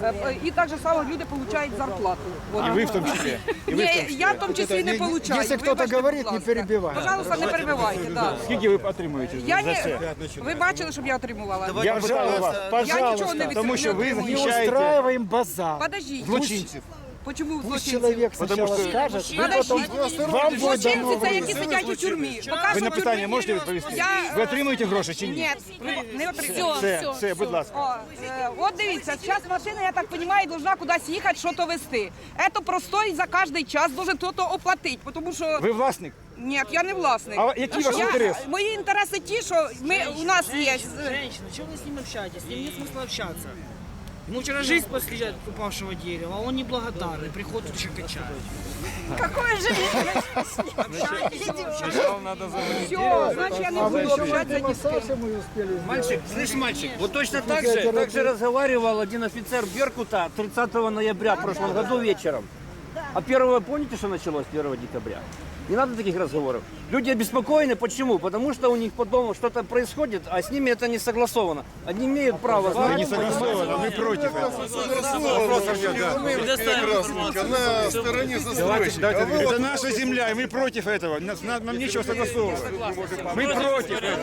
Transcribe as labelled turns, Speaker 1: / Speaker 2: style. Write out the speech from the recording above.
Speaker 1: И так же само люди получают зарплату. Вот.
Speaker 2: И вы в том числе.
Speaker 1: Не, я в том числе не получаю.
Speaker 3: Если кто-то
Speaker 1: Вибачте,
Speaker 3: говорит,
Speaker 1: будь
Speaker 3: не
Speaker 1: ласка.
Speaker 3: перебивай.
Speaker 1: Пожалуйста, не перебивайте, да.
Speaker 2: Скільки ви отримуєте
Speaker 1: Я
Speaker 2: за це?
Speaker 1: не... Ви бачили, щоб я отримувала?
Speaker 2: Я питаю вас,
Speaker 1: Я нічого не
Speaker 2: пожалуйста, тому що ви
Speaker 3: Не
Speaker 2: захищаєте
Speaker 3: устраиваем базар.
Speaker 1: Подождите.
Speaker 2: злочинців.
Speaker 1: Почему
Speaker 3: Пусть
Speaker 1: злочинці?
Speaker 3: человек
Speaker 2: Потому
Speaker 3: сначала
Speaker 2: что-
Speaker 3: скажет, вы
Speaker 1: Подождите.
Speaker 3: потом... Вам будет
Speaker 1: Злочинці
Speaker 3: дано
Speaker 1: це, які
Speaker 3: выбор.
Speaker 1: сидять у тюрмі. Поки
Speaker 2: Ви
Speaker 1: що
Speaker 2: на
Speaker 1: в
Speaker 2: питання
Speaker 1: тюрмі-
Speaker 2: можете відповісти?
Speaker 1: Я-
Speaker 2: Ви отримуєте гроші чи ні?
Speaker 1: Ні, не отримую.
Speaker 2: Все, будь ласка.
Speaker 1: От дивіться, зараз машина, я так розумію, должна кудись їхати, що то везти. Це простой за кожен час должен хтось оплатити, тому що...
Speaker 2: Ви власник?
Speaker 1: Ні, я не власник.
Speaker 2: А який ваш інтерес?
Speaker 1: Мої інтереси ті, що у нас є...
Speaker 4: Женщина, чего вы с ним общаетесь? С ним нет смысла общаться. Ему вчера жизнь после упавшего дерева, а он неблагодарный, приходит еще качает.
Speaker 1: Какое же Все, значить я не
Speaker 3: А вы
Speaker 1: буду
Speaker 3: еще
Speaker 1: общатися ні з ким.
Speaker 3: массаж мы успели
Speaker 5: Мальчик, слышь, мальчик, вот точно так же разговаривал один офицер Беркута 30 ноября в прошлом году вечером. А первого, помните, что началось 1 декабря? Не надо таких разговоров. Люди обеспокоены, почему? Потому что у них по дому что-то происходит, а с ними это не согласовано. Они имеют право
Speaker 2: Вы
Speaker 5: знать.
Speaker 2: не согласованы, мы против этого.
Speaker 6: На стороне застройщика.
Speaker 2: Это наша земля, и мы против этого. Нам нечего согласовывать. Мы против этого.